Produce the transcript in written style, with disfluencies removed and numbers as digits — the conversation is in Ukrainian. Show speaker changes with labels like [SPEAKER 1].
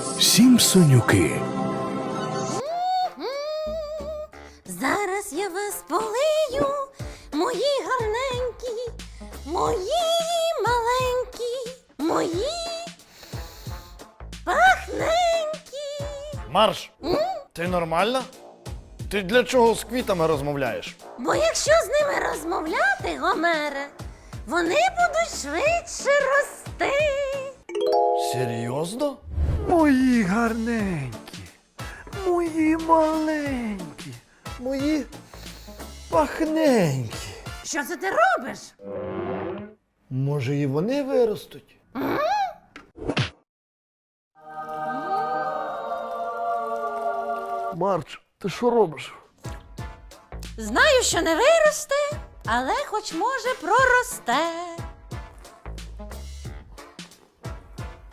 [SPEAKER 1] Сімпсонюки.
[SPEAKER 2] Зараз я вас полию, мої гарненькі, мої маленькі, мої пахненькі.
[SPEAKER 3] Марш! Ти нормальна? Ти для чого з квітами розмовляєш?
[SPEAKER 2] Бо якщо з ними розмовляти, Гомере, вони будуть швидше рости.
[SPEAKER 3] Серйозно?
[SPEAKER 4] Мої гарненькі, мої маленькі, мої пахненькі.
[SPEAKER 2] Що це ти робиш?
[SPEAKER 3] Може, і вони виростуть?
[SPEAKER 4] Марч, ти що робиш?
[SPEAKER 2] Знаю, що не виросте, але хоч може проросте.